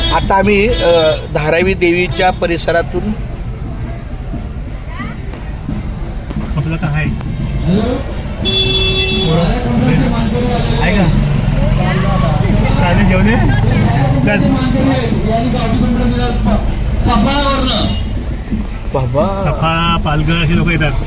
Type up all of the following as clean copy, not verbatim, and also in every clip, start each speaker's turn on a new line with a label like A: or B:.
A: आता आम्ही धारावी देवीच्या परिसरातून
B: आपलं काय आहे का चालेल घेऊन ये चल
A: बाबा
B: सफाळा पालघर हे लोक येतात.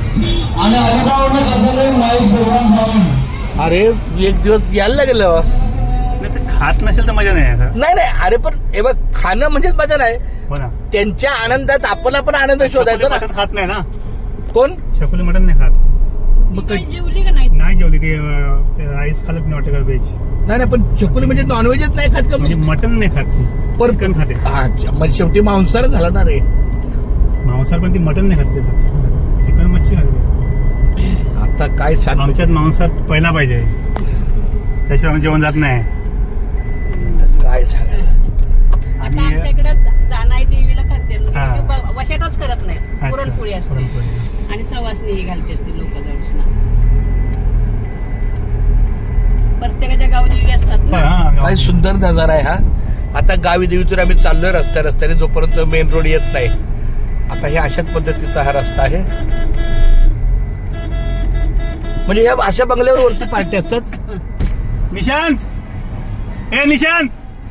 A: अरे एक दिवस यायला लागेल.
B: नाही तर खात नसेल तर मजा नाही आता.
A: नाही नाही अरे पण हे बघ खाणं म्हणजेच मजा नाही.
B: हो ना
A: त्यांच्या आनंदात आपण पण आनंद शोधायचा ना.
B: मटण खात नाही ना
A: कोण
B: छकुली मटण नाही खात.
A: मग
C: जेवली का नाही
B: नाही जेवली ते राईस खालत नाही वाटत व्हेज
A: नाही नाही पण चकुली म्हणजे नॉनव्हेजच नाही खात का
B: म्हणजे मटण नाही खात ती
A: पण
B: चिकन खाते.
A: अच्छा म्हणजे शेवटी मांसाहार झाला ना रे.
B: मांसाहार पण ती मटण नाही खात त्याचं चिकन मच्छी खाते.
A: आता काय सांग
B: आमच्यात मांसाहार पहिला पाहिजे त्याशिवाय आम्ही जेवण जात नाही.
A: काय सांगायला.
C: आता
B: आणि
C: आमच्या इकडे जानाई देवीला करते
B: हा.
C: म्हणजे वशाटच करत नाही.
B: अच्छा,
C: पुरणपोळी असते
B: पुरणपोळी.
C: आणि सवासणी घालते ती लोक दर्शना. प्रत्येकाच्या गावी देवी असतात ना.
B: हा,
A: काय सुंदर नजारा आहे हा. आता गावी देवीतून आम्ही चाललोय रस्त्याने जोपर्यंत मेन रोड येत नाही. आता हे अशाच पद्धतीचा हा रस्ता आहे. म्हणजे या अशा बंगल्यावर वरती पार्टी असतात.
B: निशांत ए निशांत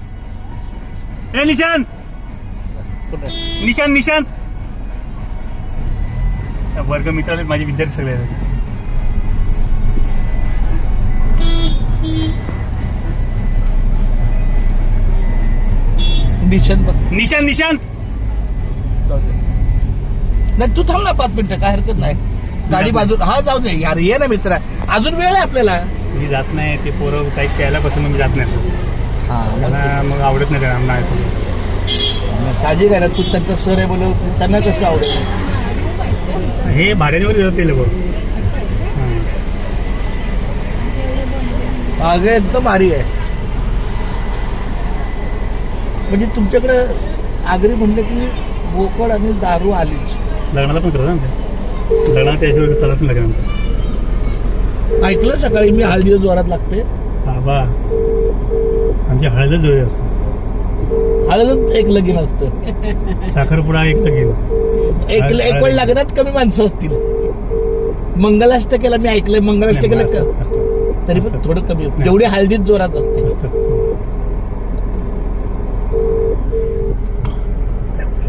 B: ए निशांत निशांत निशांत वर्ग मित्र आहेत माझे विद्यार्थी सगळे आहेत.
A: निशांत बघ.
B: निशांत निशांत
A: नाही तू थांब ना 5 मिनिटं काय हरकत नाही. गाडी बाजूला हा जाऊ दे यार ये ना मित्रा अजून वेळ आहे आपल्याला.
B: मी जात नाही ते पोरं काही प्यायला बसून मी जात नाही. मला मग आवडत नाही त्यांना नाही.
A: काळजी घ्या ना तू त्यांचा सर आहे बोल त्यांना कसं आवडेल.
B: हे भाड्यावर येतात ते लोक.
A: अगं एकदम भारी आहे. म्हणजे तुमच्याकडे आगरी म्हणलं की बोकड आणि दारू आलीच.
B: लग्नाला पण करतात ना लग्नाला त्याशिवाय चालत नाही लग्नाला.
A: ऐकलं सकाळी मी हळदी जोरात लागते.
B: बाबा आमची हळदच जोडी असते.
A: हळदच एक लगीन असतं.
B: साखरपुडा एक लगीन
A: एक वेळ लग्नात कमी माणसं असतील. मंगलाष्टकेला मी ऐकलंय मंगलाष्टकेला
B: असतं.
A: तरी पण थोडं कमी जेवढी हळदीत जोरात असते.
B: असतं